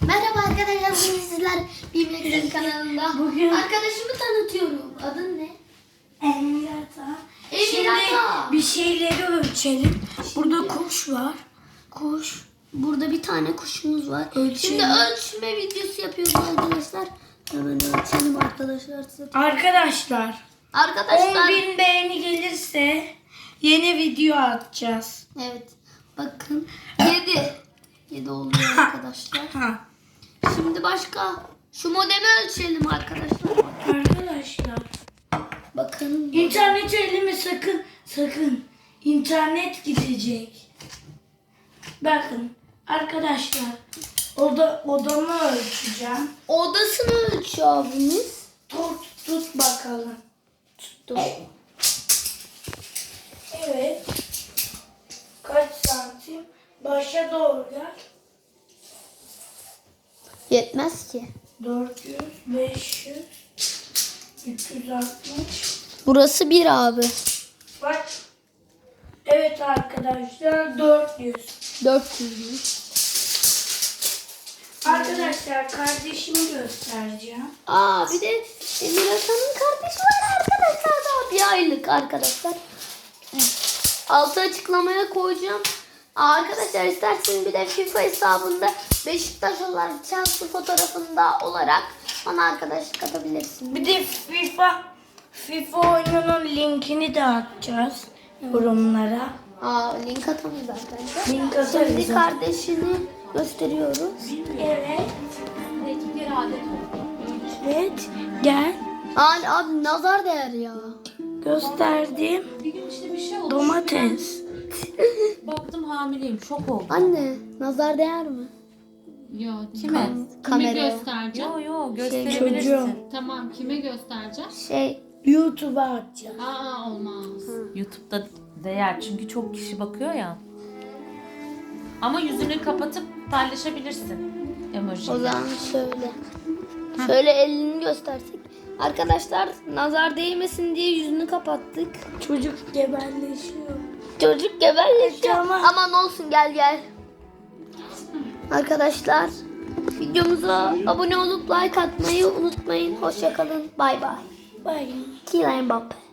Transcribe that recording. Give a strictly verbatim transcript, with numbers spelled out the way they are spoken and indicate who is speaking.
Speaker 1: Merhaba arkadaşlar, bugün sizler Bilmek'in kanalında.
Speaker 2: Bugün
Speaker 1: Arkadaşımı tanıtıyorum. Adın ne?
Speaker 2: Emirata. Şimdi
Speaker 1: Emirata.
Speaker 2: bir şeyleri ölçelim. Burada kuş var.
Speaker 1: Kuş. Burada bir tane kuşumuz var.
Speaker 2: Ölçelim.
Speaker 1: Şimdi ölçme videosu yapıyoruz arkadaşlar. Hemen ölçelim arkadaşlar.
Speaker 2: Arkadaşlar
Speaker 1: Arkadaşlar.
Speaker 2: on bin beğeni gelirse yeni video atacağız.
Speaker 1: Evet. Bakın. yedi. yedi oluyor arkadaşlar.
Speaker 2: Ha.
Speaker 1: Şimdi başka. Şu modemi ölçelim arkadaşlar.
Speaker 2: Arkadaşlar
Speaker 1: Bakın.
Speaker 2: internet elime sakın sakın internet gidecek. Bakın arkadaşlar oda odamı ölçeceğim.
Speaker 1: Odasını ölçüyor abimiz.
Speaker 2: Tut tut bakalım.
Speaker 1: Tuttum.
Speaker 2: Evet. Kaç santim? Başa doğru gel.
Speaker 1: Yetmez ki.
Speaker 2: dört yüz, beş yüz, üç yüz altmış.
Speaker 1: Burası bir abi.
Speaker 2: Bak. Evet arkadaşlar dört yüz.
Speaker 1: dört yüz.
Speaker 2: Arkadaşlar kardeşimi göstereceğim.
Speaker 1: Aa bir de Emir Hasan'ın kardeşi var arkadaşlar. Daha bir aylık arkadaşlar. Altı açıklamaya koyacağım. Aa, arkadaşlar isterseniz bir de FIFA hesabında Beşiktaş olarak Chelsea fotoğrafında olarak bana arkadaşlık atabilirsiniz.
Speaker 2: Bir de FIFA FIFA oyununun linkini de atacağız yorumlara.
Speaker 1: Aa link atamıyoruz arkadaşlar.
Speaker 2: Link atarız.
Speaker 1: Şimdi kardeşini gösteriyoruz.
Speaker 2: Evet. Evet. Gel.
Speaker 1: Aa abi nazar değer ya.
Speaker 2: Gösterdim.
Speaker 3: Bir gün işte bir şey oldu.
Speaker 2: Domates.
Speaker 3: Baktım hamileyim. Şok oldum.
Speaker 1: Anne nazar değer mi?
Speaker 3: Ya kime?
Speaker 1: Kam-
Speaker 3: Kime
Speaker 1: kameraya.
Speaker 3: göstereceğim? Yok yok
Speaker 2: gösterebilirsin.
Speaker 3: gösterebilirsin. Tamam kime göstereceğim?
Speaker 1: Şey
Speaker 2: YouTube'a atacağız.
Speaker 3: Aa olmaz.
Speaker 4: YouTube'da değer çünkü çok kişi bakıyor ya. Ama yüzünü kapatıp paylaşabilirsin emoji.
Speaker 1: o zaman şöyle. Şöyle elini göstersek. Arkadaşlar nazar değmesin diye yüzünü kapattık.
Speaker 2: Çocuk gebelleşiyor.
Speaker 1: Çocuk gebelleşiyor.
Speaker 2: Tamam.
Speaker 1: Aman olsun gel gel. Arkadaşlar videomuza abone olup like atmayı unutmayın. Hoşça kalın. Bay bay.
Speaker 2: Bye.
Speaker 1: Kylian Mbappe.